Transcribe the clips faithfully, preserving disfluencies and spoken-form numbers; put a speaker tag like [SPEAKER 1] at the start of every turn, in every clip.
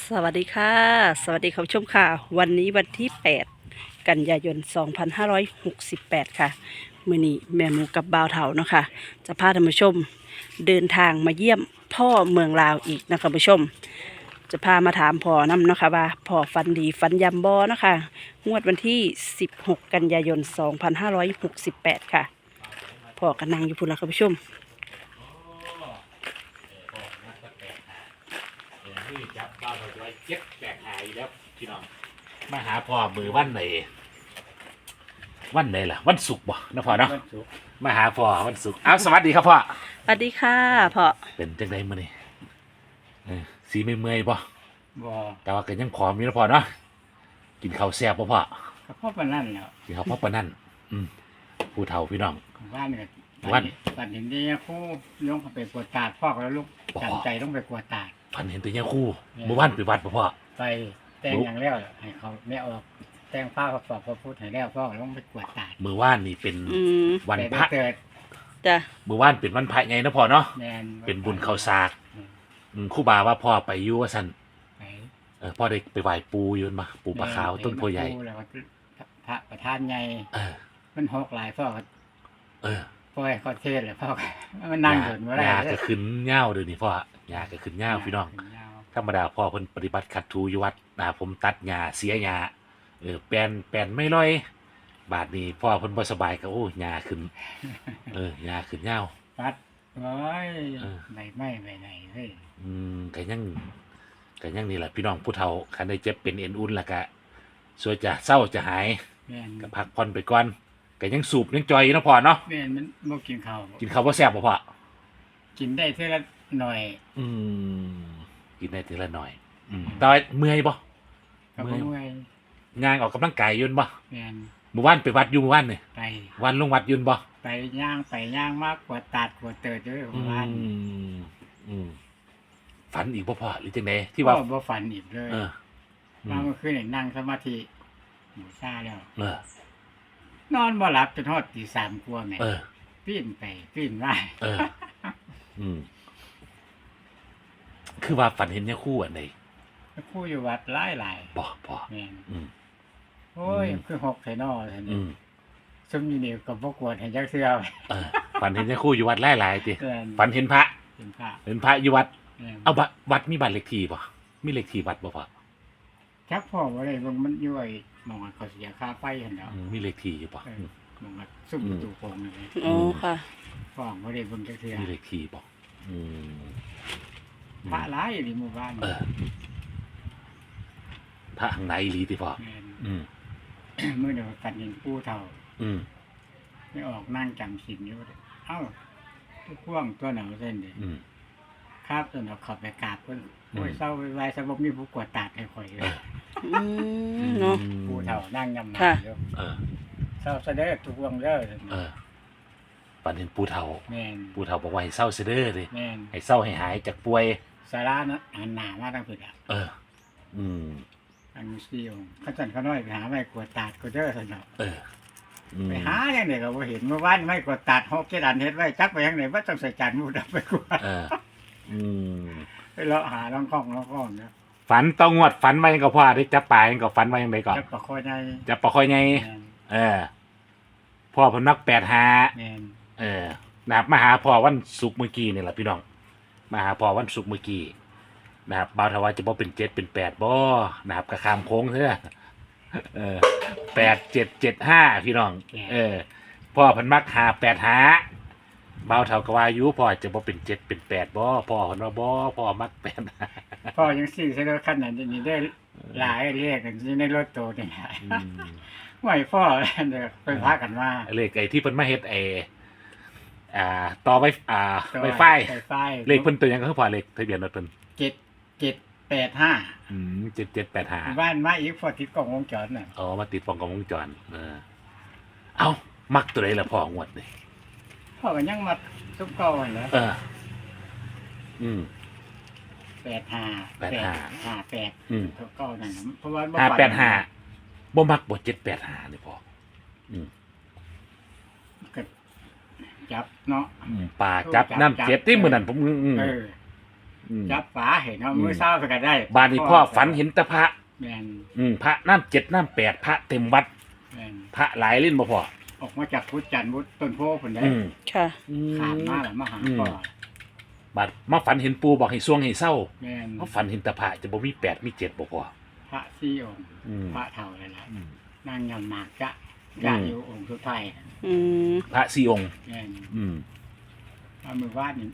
[SPEAKER 1] สวัสดีค่ะสวัสดีคุณผู้ชมค่ะวันนี้วันที่แปดกันยายนสองพันห้าร้อยหกสิบแปดค่ะมื้อนี้แม่หมูกับบ่าวเฒ่าเนาะค่ะจะพาท่านผู้ชมเดินทางมาเยี่ยมพ่อเมืองลาวอีกนะคะผู้ชมจะพามาถามพ่อนำเนาะค่ะว่าพ่อฝันดีฝันยำบ่เนาะค่ะงวดวันที่สิบหกกันยายนสองพันห้าร้อยหกสิบแปดค่ะพ่อก็นั่งอยู่พุ่นละค่ะผู้ชม
[SPEAKER 2] ที่จับบ้าเราจะไว้เจ็บแบกหายแล้วพี่น้องมาหาพ่อมือวันไหนวันไหนล่ะวันศุกร์บ่นะพ่อเนาะมาหาพ่อวันศุกร์อ้าวสวัสดีครับพ่อ
[SPEAKER 1] สวัสดีค่ะพ่อ
[SPEAKER 2] เป็นจังไดมื้อนี้เออสีไม่เมื่อยบ่
[SPEAKER 3] บ่
[SPEAKER 2] แต่ว่าก็ยังผอมอยู่นะพ่อเนาะกินข้าวแซ่บบ่พ่อ
[SPEAKER 3] ก็เพราะปานนั้นแหล้ว
[SPEAKER 2] กินข้าวเพราะปานนั้นอืมผู้เฒ่าพี่น้อง
[SPEAKER 3] บ้านก็
[SPEAKER 2] วัน
[SPEAKER 3] บ้านเห็นนี่ครูลงไปกวดตาดพ่อก็แล้วลูกจำใจต้องไปกวดตาด
[SPEAKER 2] ฝันเห็นแต่ยาคู่เมื่อวานไปวัดบ่พ่อ
[SPEAKER 3] ไปแต่งอย่างแล้วให้เขาแม่ออกแต่งผ้าเขาสอบพระพุทธให้แล้วพ่อก็ต้องไปกวดตาด
[SPEAKER 2] เมื่อวานนี่เป็น
[SPEAKER 1] อืม
[SPEAKER 2] วันพระ
[SPEAKER 3] เกิด
[SPEAKER 1] จ้ะ
[SPEAKER 2] เมื่อวานเป็นวันพระไงนะพ่อเนาะ
[SPEAKER 3] แม่น
[SPEAKER 2] เป็นบุญข้าวสากอืมครูบาว่าพ่อไปอยู่ว่าซั่น
[SPEAKER 3] ไป
[SPEAKER 2] เออพ่อได้ไปไหว้ปูอยืนมาปูปลาขาวต้นโพใหญ่
[SPEAKER 3] แล้วก็พระประธานใหญ่
[SPEAKER 2] เออ
[SPEAKER 3] มันหกหลายพ่อก็
[SPEAKER 2] เออ
[SPEAKER 3] พ่อให้เขาเทศเลยพ่อก็มันนั่งอยู่บ่ได้
[SPEAKER 2] ยาก็ขึ้นเง่าเดี๋ยวนี้พ่อยาก็ขึ้นเง่าพี่น้องธรรมดาพ่อเพิ่นปฏิบัติขัดถูอยู่วัดนะผมตัดหญ้าเสียหญ้าเออแปลนแปลนไม่ร้อย บาดนี้พ่อเพิ่นบ่สบายก็โอ้หญ้าขึ้นเออหญ้าขึ้นเง่า
[SPEAKER 3] ปัดโอ้ย
[SPEAKER 2] เออ
[SPEAKER 3] ไหนไม่ไปไหนเฮ้ย
[SPEAKER 2] อืมก็ยังก็ยังนี่แหละพี่น้องผู้เฒ่าคันได้เจ็บเป็นเอ็นอุ่นแล้วก็สวยจะเศร้าจะหาย
[SPEAKER 3] แม่น
[SPEAKER 2] ก็พักผ่อนไปก่อนก็ยังสูบยังจอยอยู่เนาะพ่อเนาะ
[SPEAKER 3] แม่นมันบ่กินข้าว
[SPEAKER 2] กินข้าวบ่แซ่บบ่พ่อ
[SPEAKER 3] กินได้เท่าละหน่อย
[SPEAKER 2] อืมกินได้ทีละหน่อย อืมแต่ว่าเมื่อยบ่
[SPEAKER 3] ก็บ่เมื่อย
[SPEAKER 2] ย่างออกกำลังกายอยืนบ่
[SPEAKER 3] แม่น
[SPEAKER 2] เมื่อวานไปวัดอยู่เมื่อวานนี่
[SPEAKER 3] ไป
[SPEAKER 2] วันลงวัดอยืนบ่
[SPEAKER 3] ไปย่างไปย่างมากกว่าตัดกว่าเติดอยู่
[SPEAKER 2] อื
[SPEAKER 3] บ้าน
[SPEAKER 2] มอืมฝันอีกบ่พ่อหรือจังไดที่ว่า
[SPEAKER 3] ก็บ่ฝันอีกเลย
[SPEAKER 2] เอออื
[SPEAKER 3] มาม เมื่อคืนนี่นั่งสมาธิหมูซ่าแล้ว
[SPEAKER 2] เออ
[SPEAKER 3] นอนบ่หลับจนฮอดตีสามกว่าแม่
[SPEAKER 2] เออ
[SPEAKER 3] ปีนไปปีนมา
[SPEAKER 2] เออ อืมคือว่าฝันเห็นเนี่ยคู่อันใด
[SPEAKER 3] ครูอยู่วัดหลาย
[SPEAKER 2] บ่พ่อ
[SPEAKER 3] ๆแม่น
[SPEAKER 2] อืม
[SPEAKER 3] โอ้ย
[SPEAKER 2] อืม
[SPEAKER 3] คือหกไสนอซั่น
[SPEAKER 2] อื
[SPEAKER 3] นี่
[SPEAKER 2] ม
[SPEAKER 3] ซุมอยู่นี่ก็บ่กวดให้จักเทื่อ
[SPEAKER 2] เออฝันเห็นเนี่ยคู่อยู่วัดหลายๆติ
[SPEAKER 3] แม่น
[SPEAKER 2] ฝันเห็นพระ
[SPEAKER 3] เป็นพระ
[SPEAKER 2] เห็นพระอยู่วัด
[SPEAKER 3] แม่น
[SPEAKER 2] เอาบัดวัดมีบัตรเลขที่บ่มีเลขที่วัดบ่พ่อ
[SPEAKER 3] จักพ่อบ่ได้เบิ่งมันอยู่ไอ้หม่องเขาเสียค่าไฟหั่นแหล้ว
[SPEAKER 2] อืมมีเลขที่อยู่บ่
[SPEAKER 3] เออหม่องซุ่มประตูโป่งนั่นแหละ
[SPEAKER 1] อ๋อค่ะ
[SPEAKER 3] พ่อบ่ได้เบิ่งจักเทื่อ
[SPEAKER 2] มีเลขที่บ่อืม
[SPEAKER 3] พระหลายอยู่ในหมู่บ้าน
[SPEAKER 2] เออพระข้างในอีหลีติพ่อ
[SPEAKER 3] แม่น
[SPEAKER 2] อืม
[SPEAKER 3] มื้อเดียวกันเห็นปู่เฒ่า
[SPEAKER 2] อืม
[SPEAKER 3] ไม่ออกนั่งจำศีลอยู่เอ้าทุกพ่วงตัวหนังเส้นดิ
[SPEAKER 2] อืม
[SPEAKER 3] ครับตัวหนังขับไปกราบเพิ่น
[SPEAKER 2] อืม
[SPEAKER 3] โอ้ยเศร้าไว้สบมีผู้กวดตาดให้ข่อยเลย
[SPEAKER 1] อืมเนาะ
[SPEAKER 3] ปู่เฒ่านั่งยำหนา
[SPEAKER 1] ค่ะ
[SPEAKER 3] อยู่
[SPEAKER 2] เออ
[SPEAKER 3] เศร้าเสด็จทุกพ่วงเด้อ
[SPEAKER 2] เออปันเห็นปู่เฒ่า
[SPEAKER 3] แม่น
[SPEAKER 2] ปู่เฒ่าบอกว่าให้เศร้าเสยเด้อดิ
[SPEAKER 3] แม่น
[SPEAKER 2] ให้เศร้าให้หายจากป่วย
[SPEAKER 3] สารานะหันหน้ามาทางผิดอ่ะ
[SPEAKER 2] เออ อืม
[SPEAKER 3] อันนี้ซี่องค์เขาจันเขาน้อยไปหาไม้กวดตาดก็เด้อสนอก
[SPEAKER 2] เอออืม
[SPEAKER 3] ไปหาอย่างเดียวก็บ่เห็นเมื่อวานไม้กวดตาดหกเจ็ดอันเฮ็ดไว้จักไปทางไหนว่าต้องใส่จานมูดเอาไปกวาด
[SPEAKER 2] เออ อืม
[SPEAKER 3] ไปเลาะหาล่องคล้องล่องคล้องเนาะ
[SPEAKER 2] ฝันต้องงวดฝันไว้ยังก็พ่อได้จับปลายังก็ฝันไว้ยังไงก่อน
[SPEAKER 3] จักประคอยใน
[SPEAKER 2] จับปลาค่อยไง
[SPEAKER 3] แม่น
[SPEAKER 2] เออ พ่อเพนนักแปดหา
[SPEAKER 3] แม่น
[SPEAKER 2] เออนะครับมาหาพ่อวันศุกร์เมื่อกี้นี่แหละพี่น้องมาหาพ่อวันศุกร์เมื่อกี้นะครับบ่าวทว่าจะบ่เป็นเจ็ดเป็นแปดบ่นะครับกระคามโค้งเถอะเออแปดเจ็ดเจ็ดห้าพี่น้อง เออ พ่อเพันมักหาแปดหาบ่าวเท่าก็ว่าอยู่พ่อจะบ่เป็นเจ็ดเป็นแปดบ่พ่อเพิ่นว่าบ่พ่อมักแปดหา
[SPEAKER 3] พ่อยังซื้อใช้รถคันนั้นนี่ได้หลายเรียกกันที่ในรถโตนี่หลาย
[SPEAKER 2] อืม
[SPEAKER 3] ไหวพ่อเดี๋ยวไปพากันมา
[SPEAKER 2] เลขไอ้ที่เพิ่นมาเฮ็ดไอ้อ่าต่อไว้อ่าไวไฟ
[SPEAKER 3] ไฟไฟ
[SPEAKER 2] เลขเพิ่นตัวหยังก็คือพ่อเลขทะเบียนรถเพิ่น
[SPEAKER 3] เจ็ดเจ็ดแปดห้า
[SPEAKER 2] อืมเจ็ดเจ็ดแปดห้า
[SPEAKER 3] บ้านมาอีกพอติดกล้องวงจรน่ะ
[SPEAKER 2] อ๋อมาติดฟองกล้องวงจรเออเอามักตัวไหนล่ะพ่องวดนี่
[SPEAKER 3] พ่อก็ยังมาซุปเก่าหั่นแหล้ว
[SPEAKER 2] เออ อืม
[SPEAKER 3] แปดห้า
[SPEAKER 2] แปดห้า
[SPEAKER 3] ห้าแปด
[SPEAKER 2] อืม
[SPEAKER 3] ซุปเก่านั่นน่ะเพราะว่าบ่
[SPEAKER 2] ห้า
[SPEAKER 3] ฝัน
[SPEAKER 2] แปดห้าบ่มักบ่เจ็ดแปดห้านี่พ่ออืม
[SPEAKER 3] ก็จับเนาะ
[SPEAKER 2] อืมป่าจับน้ำเจ็ดที่มื้อนั้นผมอืมอืม
[SPEAKER 3] เออ
[SPEAKER 2] ออืม
[SPEAKER 3] จับฝาเห็นเอา
[SPEAKER 2] อืม
[SPEAKER 3] มือเศร้าไปก็ได้
[SPEAKER 2] บ้านนี้พ่อฝันเห็นแตะพระ
[SPEAKER 3] แม่น
[SPEAKER 2] อืมพระน้ำเจ็ดน้ำแปดพระเต็มวัด
[SPEAKER 3] แม่น
[SPEAKER 2] พระหลายเล่นบ่พ่อ
[SPEAKER 3] ออกมาจากพุทธจันทร์พุทธต้นโพธิ์พุ่นได้
[SPEAKER 2] อืม
[SPEAKER 1] ค่ะ
[SPEAKER 3] ขามมาแล้วมาหา
[SPEAKER 2] อืม
[SPEAKER 3] พ่อ
[SPEAKER 2] บัดมาฝันเห็นปูบอกให้ซ่วงให้เศร้า
[SPEAKER 3] แม่น
[SPEAKER 2] มาฝันเห็นแตะพระจะบ่มีแปดมีเจ็ดบ่พ่อ
[SPEAKER 3] พระสี่องค์
[SPEAKER 2] อืม
[SPEAKER 3] พระเท่าเลยล่ะ
[SPEAKER 2] อืม
[SPEAKER 3] นั่งยำหมากจะ
[SPEAKER 2] อืม
[SPEAKER 3] จะอยู่องค์สุดท้าย
[SPEAKER 1] อืม
[SPEAKER 2] พระสี่องค์
[SPEAKER 3] แม่น
[SPEAKER 2] อืม
[SPEAKER 3] เอามือวาดนี่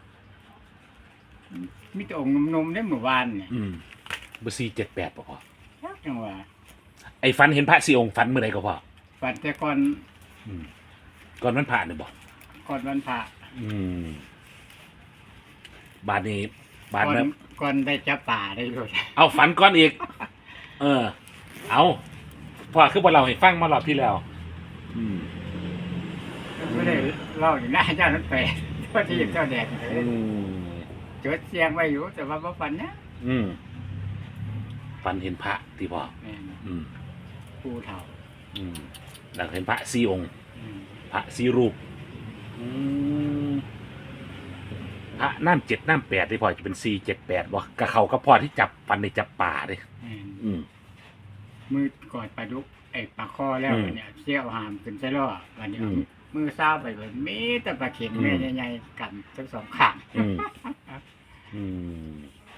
[SPEAKER 3] มีแต่องค์นมๆได้มือวานเนี่ย
[SPEAKER 2] อืมบ่สี่เจ็ดแปดบ่พ่อ
[SPEAKER 3] จังหวะ
[SPEAKER 2] ไอ้ฝันเห็นพระสี่องค์ฝันเมื่อใดก็พ่อ
[SPEAKER 3] ฝันแต่ก่อน
[SPEAKER 2] อืมก่อนมันผ่านนี่บ่
[SPEAKER 3] ก่อนวันพระ
[SPEAKER 2] อืมบาดนี้บาด
[SPEAKER 3] ก่อน
[SPEAKER 2] นั้น
[SPEAKER 3] ก่อนได้จับป่าได้ด้วย
[SPEAKER 2] เอาฝันก่อนอีก เออ เอาพ่อคือบ่เราให้ฟังมารอบที่แล้ว อืม
[SPEAKER 3] ไม่ได้เล่าอย่างหน้าเจ้านั้นไปเพราะที่เจ้าแดดเลย
[SPEAKER 2] อืม
[SPEAKER 3] จดเสียงไว้อยู่แต่ว่าบ่ฝันนะ
[SPEAKER 2] อืมฝันเห็นพระที่พ่อ
[SPEAKER 3] แม่น
[SPEAKER 2] อืม
[SPEAKER 3] ปูเท่า
[SPEAKER 2] อืมแล้วเห็นพระสี่องค์
[SPEAKER 3] อืม
[SPEAKER 2] พระสี่รูป อืมพระน้ำเจ็ดน้ำแปดที่พ่อจะเป็นสี่เจ็ดแปดบ่กับเขาก็พ่อที่จับฟันในจับป่าเลย
[SPEAKER 3] แม่น
[SPEAKER 2] อืม
[SPEAKER 3] มือกอดปลาดุกไอ้ปลาคอแล้ว
[SPEAKER 2] อืม
[SPEAKER 3] เนี่ยเชี่ยวหามขึ้นใส่ล้อวันนี้
[SPEAKER 2] อืม
[SPEAKER 3] มือซ้าวไปเลยมีแต่ปลาเข็ง
[SPEAKER 2] อืม
[SPEAKER 3] แม่ใหญ่ๆกันทั้งสองข้าง
[SPEAKER 2] อืม อืม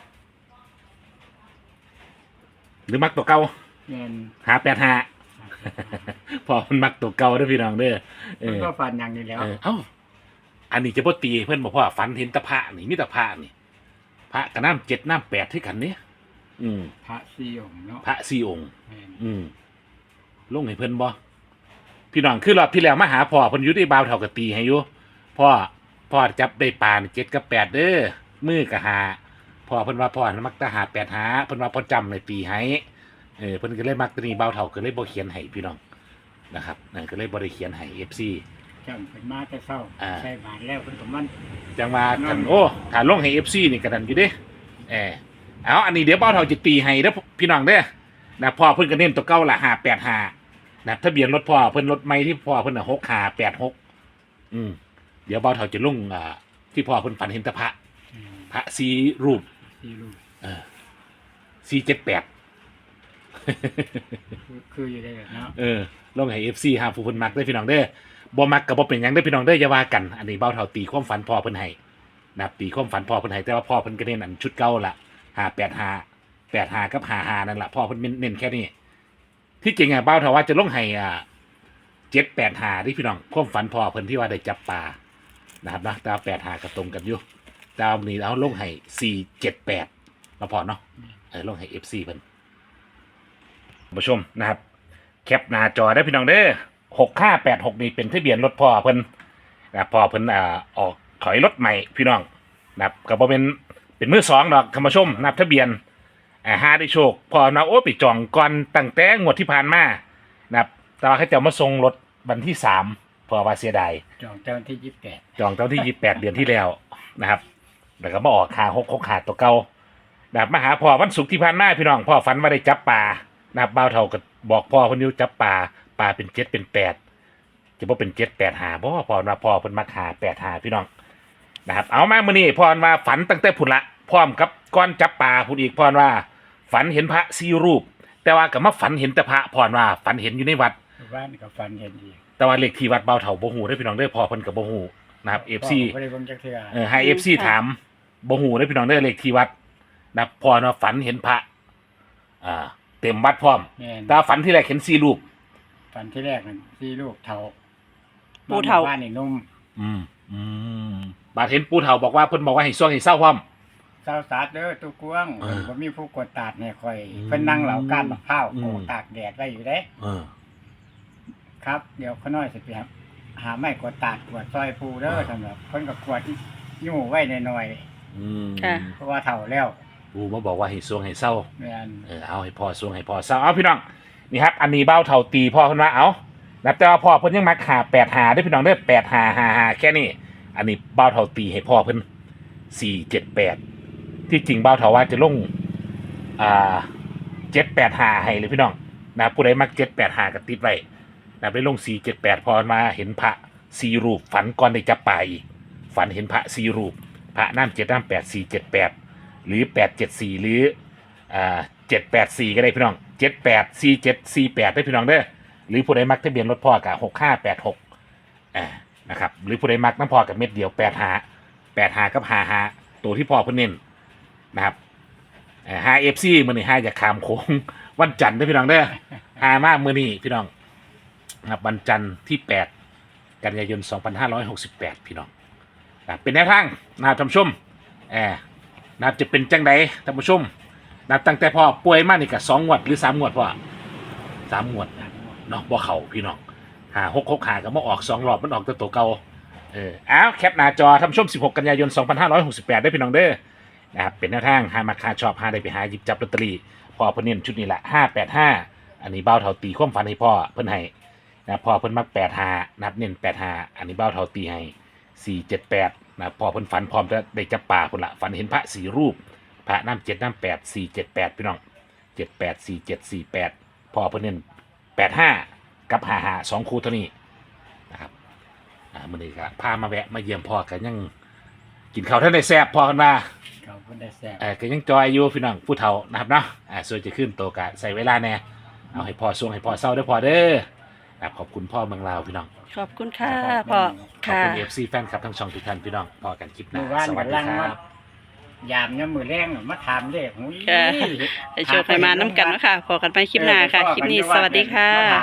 [SPEAKER 2] หรือมักตัวเก่า
[SPEAKER 3] แม่น
[SPEAKER 2] หาแปดหา พอมันมักตัวเก่าเด้อพี่น้องเด้อเอ
[SPEAKER 3] มัน
[SPEAKER 2] อ
[SPEAKER 3] ก็ฟันอย่างนี้แล้ว
[SPEAKER 2] เออเอ้าอันนี้จะบ่ตีเพื่อนบอกว่าฝันเห็นแตะพระนี่มีแตะพระนี่ พระกับน้ำเจ็ดน้ำแปดที่กันเนี่ยอืม
[SPEAKER 3] พระสี่องค์เนาะ
[SPEAKER 2] พระสี่องค์
[SPEAKER 3] แม่น
[SPEAKER 2] อืมลงให้เพิ่นบ่พี่น้องคือรอบที่แล้วมาหาพ่อเพิ่นอยู่ที่บาวเท่ากับตีให้อยู่พ่อพ่อจับได้ปลานี่เจ็ดกับแปดเด้อมือกับหาพ่อเพิ่นว่าพ่อน่ะมักแตะหาแปดหาเพิ่นว่าพ่อจำเลยตีให้เออเพิ่นก็เลยมักตัวนี้บาวเท่าก็เลยบ่เขียนให้พี่น้องนะครับนั่นก็เลยบ่ได้เขียนให้ เอฟ ซี
[SPEAKER 3] จำเป็นมาแต่เศร้า
[SPEAKER 2] อ่า
[SPEAKER 3] ใส่บาทแล้วเพิ่นก็มัน
[SPEAKER 2] จังว่ากันโอ้ถ้าลงให้ เอฟ ซี นี่ก็ดันอยู่เด้เออเอาอันนี้เดี๋ยวบาวเท่าจะตีให้เด้อพี่น้องเด้อนะพ่อเพิ่นก็เน้นตัวเก่าละห้าแปดห้านะทะเบียนรถพ่อเพิ่นรถไม่ที่พ่อเพิ่นน่ะหกห้าแปดหกอืมเดี๋ยวเบาเท่าจะลงอ่าที่พ่อเพิ่นฝันเห็นแตะพระ
[SPEAKER 3] อืม
[SPEAKER 2] พระสีรูป
[SPEAKER 3] สี่ลูก
[SPEAKER 2] เออสี่เจ็ดแปด
[SPEAKER 3] คือคืออยู่ได้แบบเนาะ
[SPEAKER 2] เออลงให้เอฟซีห้าผู้เพิ่นมักได้อพี่น้องเด้อบ่มักก็บ่เป็นหยังได้อพี่น้องเด้ออย่าว่ากันอันนี้เบาเท่าตีความฝันพ่อเพิ่นให้นะครับตีความฝันพ่อเพิ่นให้แต่ว่าพ่อเพิ่นก็เน้นอันชุดเก่าละห้าแปดห้าแปดห้ากับห้าห้านั่นล่ะพ่อเพิ่นเน้นแค่นี้ที่จริงอ่ะเบาเท่าว่าจะลงให้อ่าเจ็ดแปดห้าที่พี่น้องความฝันพ่อเพิ่นที่ว่าได้จับปลานะครับนะแต่ว่าแปดห้าก็ตรงกันอยู่แต่เอานี้เอาลงให้สี่เจ็ดแปดมาพอเนาะเออลงให้เอฟซีเพิ่นผู้ชมนะครับ แคปหน้าจอได้พี่น้องเด้อหกห้าแปดหกนี่เป็นทะเบียนรถพ่อเพิ่นนะครับพ่อเพิ่นอ่าออกถอยรถใหม่พี่น้องนะครับก็บ่เป็นเป็นมือสองดอกคำมาชมนับทะเบียนอ่าห้าได้โชคพ่อนะโอ้ไปจองก่อนตั้งแต่งวดที่ผ่านมานะครับแต่ว่าเขาจะมาส่งรถวันที่สามเพอว่าเสียดาย
[SPEAKER 3] จองเจ้าวันที่ยี่สิบแปด
[SPEAKER 2] จองตอนที่ยี่สิบแปดเดือนที่แล้วนะครับแล้วก็มาออกคาหกหกขาดตัวเก่านะครับมาหาพ่อวันศุกร์ที่ผ่านมาพี่น้องพ่อฝันว่าได้จับปลานะครับบ่าวเท่าก็บอกพ่อคนนี้จับปลาปลาเป็นเจ็ดเป็นแปดจะบ่เป็นเจ็ดแปดหาบ่พ่อว่าพ่อเพิ่นมาหาแปดหาพี่น้องนะครับเอามามื้อนี้พ่อว่าฝันตั้งแต่พุ่นละพร้อมกับก้อนจับปลาพุ่นอีกพ่อว่าฝันเห็นพระสี่รูป แต่ว่าก็มาฝันเห็นแต่พระพ่อว่าฝันเห็นอยู่ในวัด
[SPEAKER 3] บ้านกับฟันเห็นดี
[SPEAKER 2] แต่ว่าเลขที่วัดบ่าวเท่าบ่ฮู้เด้อพี่น้องเด้อพ่อเพิ่นก็บ่ฮู้นะครับ เอฟ ซี
[SPEAKER 3] ไม่ได้เบิ่งจักเทื่อ
[SPEAKER 2] เออให้เอฟซีถามบ่หูได้อพี่น้องได้อเลขที่วัดนะพอเนาะฝันเห็นพระอ่าเต็มวัดพร้อม
[SPEAKER 3] แม่น
[SPEAKER 2] แตาฝันที่แรกเห็นสี่รูป
[SPEAKER 3] ฟันที่แรกนั่นสี่ลูกเท่า
[SPEAKER 1] ปูเฒ่า
[SPEAKER 3] บ้านนี่นุ่ม
[SPEAKER 2] อืมอืมบาดเห็นปู่เฒ่าบอกว่าเพิ่นบอกว่าให้ซ่วงให้เศร้าพร้อม
[SPEAKER 3] เศร้าสาดเด้อตุกวง
[SPEAKER 2] เออ
[SPEAKER 3] บ่มีผู้กดตาดเนี่ยคอย
[SPEAKER 2] อืม
[SPEAKER 3] เพิ่นนั่งเหล่าก้านมะพร้าว
[SPEAKER 2] อืม
[SPEAKER 3] โอ้ตากแดดไว้อยู่เด้
[SPEAKER 2] เออ
[SPEAKER 3] ครับ เดี๋ยวเขาน้อยสิไปครับหาไม้กดตาดกวดซอยปูเด้อสำหรับเพิ่นก็กวดยู่ไว้หน่อย
[SPEAKER 2] อืม
[SPEAKER 1] ค่ะ
[SPEAKER 3] ๆเพราะว่าเฒ่าแล้ว
[SPEAKER 2] ปู่มาบอกว่าให้ซ่วงให้เศร้า
[SPEAKER 3] แม่น
[SPEAKER 2] เออเอาให้พ่อซ่วงให้พ่อเศร้าเอาพี่น้องนี่ครับอันนี้เบ้าเฒ่าตีพ่อเพิ่นว่าเอานับแต่ว่าพ่อเพิ่นยังมักหาแปดหาได้อพี่น้องเด้อแปดหาหาหาแค่นี้อันนี้เบ้าเฒ่าตีให้พ่อเพิ่นสี่เจ็ดแปดที่จริงเบ้าเฒ่าว่าจะลงอ่าเจ็ดแปดหาให้เลยพี่น้องนะผู้ใดมักเจ็ดแปดหาก็ติดไว้นะไปลงสี่เจ็ดแปดพอมาเห็นพระสี่รูปฝันก่อนได้จับปลาอีกฝันเห็นพระสี่รูปพระน้ำเจ็ดน้ำแปดสี่เจ็ดแปดหรือแปดเจ็ดสี่หรืออ่าเจ็ดแปดสี่ก็ได้พี่น้องเจ็ดแปดสี่เจ็ดสี่แปดได้พี่น้องเด้อหรือผู้ใดมักทะเบียนรถพ่อกับหกห้าแปดหกอ่านะครับหรือผู้ใดมักน้ำพ่อกับเม็ดเดียวแปดหาแปดหากับหาหาตัวที่พ่อเพิ่นเน้นนะครับหาเอฟซีมือนี่หาจากขามโค้งวันจันทร์ได้อพี่น้องเด้อหามากมือนี่พี่น้องนะครับวันจันทร์ที่แปดกันยายนสองพันห้าร้อยหกสิบแปดพี่น้องนะเป็นแนวทางนะครับท่านผู้ชมแอบนะครับจะเป็นจังไดท่านผู้ชมนับตั้งแต่พ่อป่วยมานี่กับสองงวดหรือสามงวดพ่อสามงวดเนาะบ่เข่าพี่น้องหาหกหกหาก็มาออกสองรอบมันออกตัวตัวเก่าเอออ้าวแคปหน้าจอท่านผู้ชมสิบหกกันยายนสองพันห้าร้อยหกสิบแปดได้พี่น้องเด้อนะครับเป็นแนวทางหามาคาชอบหาได้ไปหาหยิบจับลอตเตอรี่พ่อเพิ่นเน้นชุดนี้แหละห้าแปดห้าอันนี้เบ้าเท่าตีความฝันให้พ่อเพิ่นให้นะพ่อเพิ่นมักแปดห้านับเน้นแปดห้าอันนี้เบ้าเท่าตีให้สี่เจ็ดแปดนะพ่อเพิ่นฝันพร้อมจะได้จับป่าคนละฝันเห็นพระสี่รูปพระน้ำเจ็ดน้ำแปดสี่เจ็ดแปดพี่น้องเจ็ดแปดสี่เจ็ดสี่แปดพ่อเพิ่นเน้นแปดห้ากับห้าห้าสองคู่เท่านี้นะครับอ่ามื้อนี้ก็พามาแวะมาเยี่ยมพ่อกันยังกินข้าวท่านได้แซ่บพ่อกันมา
[SPEAKER 3] เขาเพิ่นได้แซ่บ
[SPEAKER 2] เออก็ยังจอยอยู่พี่น้องผู้เฒ่านะครับเนาะอ่าส่วนจะขึ้นโตกะใส่เวลาแน่เอาให้พ่อส่วงให้พ่อเศร้าได้อพอเด้อครับขอบคุณพ่อเมืองลาวพี่น้อง
[SPEAKER 1] ขอบคุณค่ะพ่อ
[SPEAKER 2] ขอบ
[SPEAKER 1] ค่ะ
[SPEAKER 2] คุณเอฟซีแฟนคลับทั้งช่องทุกท่านพี่น้องพอกันคลิปหน้า
[SPEAKER 3] เมื่อวาน
[SPEAKER 2] สวัส
[SPEAKER 3] กำ
[SPEAKER 2] ดี
[SPEAKER 3] ลัง
[SPEAKER 2] ค
[SPEAKER 3] มา
[SPEAKER 2] รับ
[SPEAKER 3] ยามเนี่ยมือแรงมาถามเลขหูย
[SPEAKER 1] ค่ะ ให้โชคให้มาน้ำกันเนาะค่ะพอกันไปคลิปหน้าค่ะ คลิปนี้สวัสดีค่ะ